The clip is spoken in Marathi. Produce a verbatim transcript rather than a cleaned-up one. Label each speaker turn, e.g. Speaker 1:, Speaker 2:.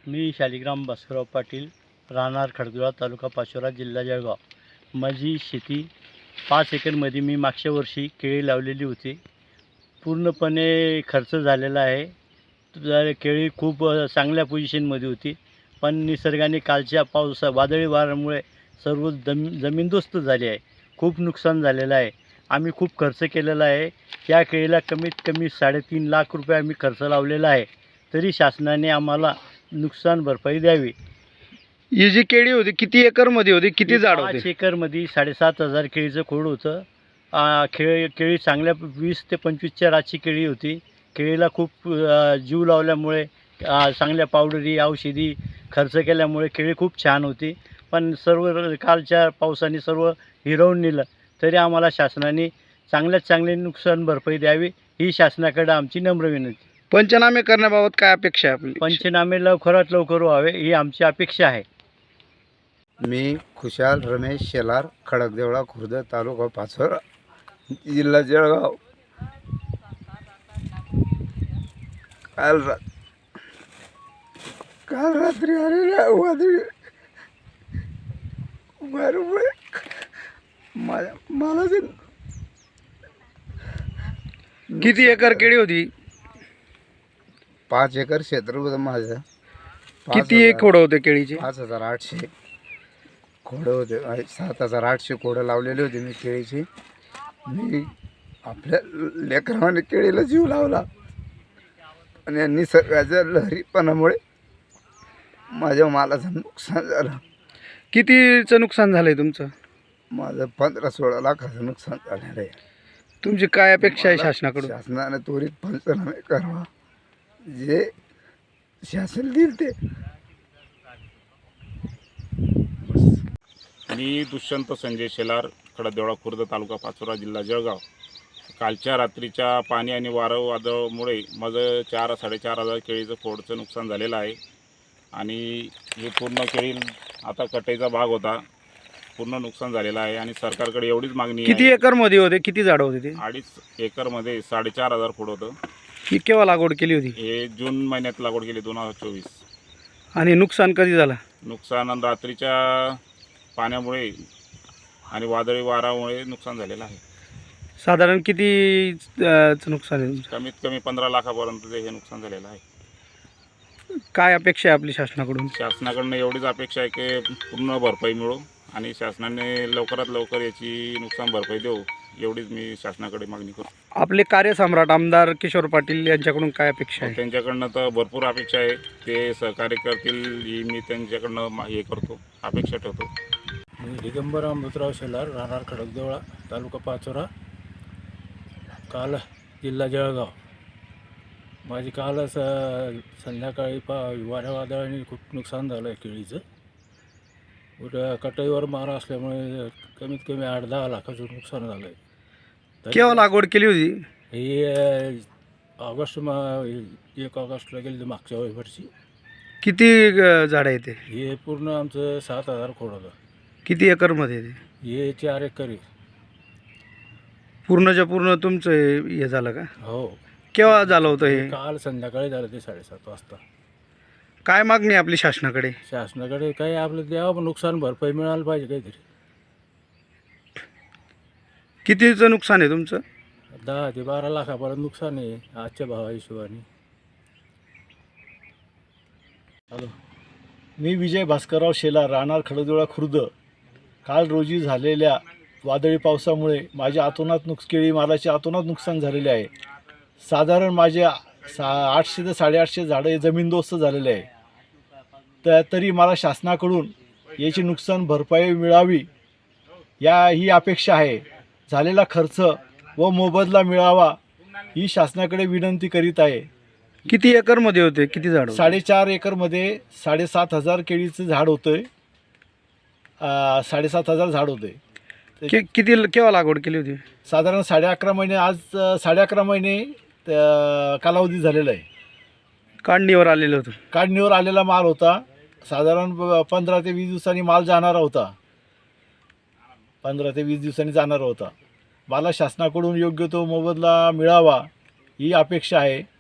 Speaker 1: मी शालिग्राम भास्करराव पाटील, राहणार खडकदुळा, तालुका पाचोरा, जिल्हा जळगाव. माझी शेती पाच एकरमध्ये मी मागच्या वर्षी केळी लावलेली होती. पूर्णपणे खर्च झालेला आहे. तर केळी खूप चांगल्या पोझिशनमध्ये होती, पण निसर्गाने कालच्या पावसा वादळी वाऱ्यामुळे सर्व जम जमीनदोस्त झाली आहे. खूप नुकसान झालेलं आहे. आम्ही खूप खर्च केलेला आहे. या केळीला कमीत कमी साडेतीन लाख रुपये आम्ही खर्च लावलेला आहे. तरी शासनाने आम्हाला नुकसान भरपाई द्यावी.
Speaker 2: ही जी केळी होती किती एकरमध्ये होती, किती झाड
Speaker 1: पाच
Speaker 2: होते?
Speaker 1: एकरमध्ये साडेसात हजार केळीचं खोड होतं. आ, केळी केळी चांगल्या वीस ते पंचवीसच्या रातची केळी होती. केळीला खूप अ, जीव लावल्यामुळे अ, चांगल्या पावडरी औषधी खर्च केल्यामुळे केळी खूप छान होती. पण सर्व कालच्या पावसाने सर्व हिरावून नेलं. तरी आम्हाला शासनाने चांगल्यात चांगली नुकसान भरपाई द्यावी, ही शासनाकडे आमची नम्र विनंती.
Speaker 2: पंचनामे करण्याबाबत काय अपेक्षा आहे आपली?
Speaker 1: पंचनामे लवकरात लवकर व्हावे, ही आमची अपेक्षा आहे.
Speaker 3: मी खुशाल रमेश शेलार, खडकदेवळा खुर्द, तालुका पाचोरा, जिल्हा जळगाव. काल रा काल रात्री आलेल्या वादळी वाऱ्यामुळे माझ्या मला जे
Speaker 2: किती एकर केळी होती?
Speaker 3: पाच एकर क्षेत्र होतं माझं. पाच
Speaker 2: किती
Speaker 3: हजार-
Speaker 2: एक खोडं होते केळीचे?
Speaker 3: पाच हजार आठशे खोडं होते. आणि सात हजार आठशे खोडं लावलेले होते मी केळीची. मी आपल्या लेकराने केळीला जीव लावला, आणि निसर्गाच्या लहरीपणामुळे माझ्या मालाचं नुकसान झालं.
Speaker 2: कितीचं नुकसान झालंय तुमचं?
Speaker 3: माझं पंधरा सोळा लाखाचं नुकसान झालेलं आहे.
Speaker 2: तुमची काय अपेक्षा आहे शासनाकडून?
Speaker 3: शासनाने त्वरित पंचनामे करावा, जे शासन देईल ते.
Speaker 4: मी दुष्यंत संजय शेलार, खडकदेवळा खुर्द, तालुका पाचोरा, जिल्हा जळगाव. कालच्या रात्रीच्या पाणी आणि वारं वादळामुळे माझं चार साडेचार हजार केळीचं फोडचं नुकसान झालेलं आहे. आणि हे पूर्ण केळी आता कटाईचा भाग होता, पूर्ण नुकसान झालेलं आहे. आणि सरकारकडे एवढीच मागणी
Speaker 2: किती
Speaker 4: आहे.
Speaker 2: एकरमध्ये होते, किती झाडं होते ते?
Speaker 4: अडीच एकरमध्ये साडेचार हजार खोड होतं.
Speaker 2: ही केव्हा लागवड केली होती?
Speaker 4: हे जून महिन्यात लागवड केली, दोन हजार चोवीस.
Speaker 2: आणि नुकसान कधी झालं?
Speaker 4: नुकसान रात्रीच्या पाण्यामुळे आणि वादळी वारामुळे नुकसान झालेलं आहे.
Speaker 2: साधारण किती अं, चं नुकसान आहे तुमचं?
Speaker 4: कमीत कमी पंधरा लाखापर्यंत हे नुकसान झालेलं आहे.
Speaker 2: काय अपेक्षा आहे आपली शासनाकडून?
Speaker 4: शासनाकडनं एवढीच अपेक्षा आहे की पूर्ण भरपाई मिळो, आणि शासनाने लवकरात लवकर याची नुकसान भरपाई देऊ, एवढीच मी शासनाकडे मागणी करतो.
Speaker 2: आपले कार्यसम्राट आमदार किशोर पाटील यांच्याकडून काय अपेक्षा आहे?
Speaker 4: त्यांच्याकडनं तर भरपूर अपेक्षा आहे, ते सहकार्य करतील ही मी त्यांच्याकडनं मा- हे करतो, अपेक्षा ठेवतो.
Speaker 1: मी दिगंबर अमृतराव शेलार, राहणार खडकदेवळा, तालुका पाचोरा, काल जिल्हा जळगाव. माझी कालच अ, संध्याकाळी पा वाऱ्या वादळाने खूप नुकसान झालं आहे केळीचं. उद्या कटाईवर मारा असल्यामुळे कमीत कमी आठ दहा लाखाचं नुकसान झालं आहे.
Speaker 2: केव्हा लागवड केली होती?
Speaker 1: ही अ, ऑगस्ट मा एक ऑगस्टला गेली होती मागच्या वर्षी.
Speaker 2: किती अं, झाडं आहे ते?
Speaker 1: हे पूर्ण आमचं सात हजार खोड होतं.
Speaker 2: किती एकरमध्ये ते?
Speaker 1: हे चार एकर आहे.
Speaker 2: पूर्णच्या पूर्ण तुमचं हे हे झालं का?
Speaker 1: हो,
Speaker 2: केव्हा झालं होतं हे?
Speaker 1: काल संध्याकाळी झालं ते साडेसात वाजता.
Speaker 2: काय मागणी आहे आपली शासनाकडे?
Speaker 1: शासनाकडे काही आपलं द्यावं, पण नुकसान भरपाई मिळायला पाहिजे काहीतरी.
Speaker 2: कितीचं नुकसान आहे तुमचं?
Speaker 1: दहा ते बारा लाखापर्यंत नुकसान आहे आजच्या भावा हिशोबाने. हॅलो, मी विजय भास्करराव शेलार, राहणार खडकदेवळा खुर्द. काल रोजी झालेल्या वादळी पावसामुळे माझ्या अतोनात नुकस केळी मालाचे अतोनात नुकसान झालेले आहे. साधारण माझे सा आठशे ते साडेआठशे झाडं हे जमीनदोस्त झालेले आहे. तर तरी मला शासनाकडून याची नुकसान भरपाई मिळावी, या ही अपेक्षा आहे. झालेला खर्च व मोबदला मिळावा, ही शासनाकडे विनंती करीत आहे.
Speaker 2: किती एकरमध्ये होते, किती झाड?
Speaker 1: साडेचार एकरमध्ये साडेसात हजार केळीचं झाड होतं आहे. साडेसात हजार झाड होते.
Speaker 2: कि किती केव्हा लागवड केली होती?
Speaker 1: साधारण साडे अकरा महिने, आज साडे अकरा महिने अ, कालावधी झालेला आहे.
Speaker 2: काढणीवर आलेलं होतं.
Speaker 1: काढणीवर आलेला माल होता. साधारण प- पंधरा ते वीस दिवसांनी माल जाणारा होता. पंधरा ते वीस दिवसांनी जाणारा होता. मला शासनाकडून योग्य तो मोबदला मिळावा, ही अपेक्षा आहे.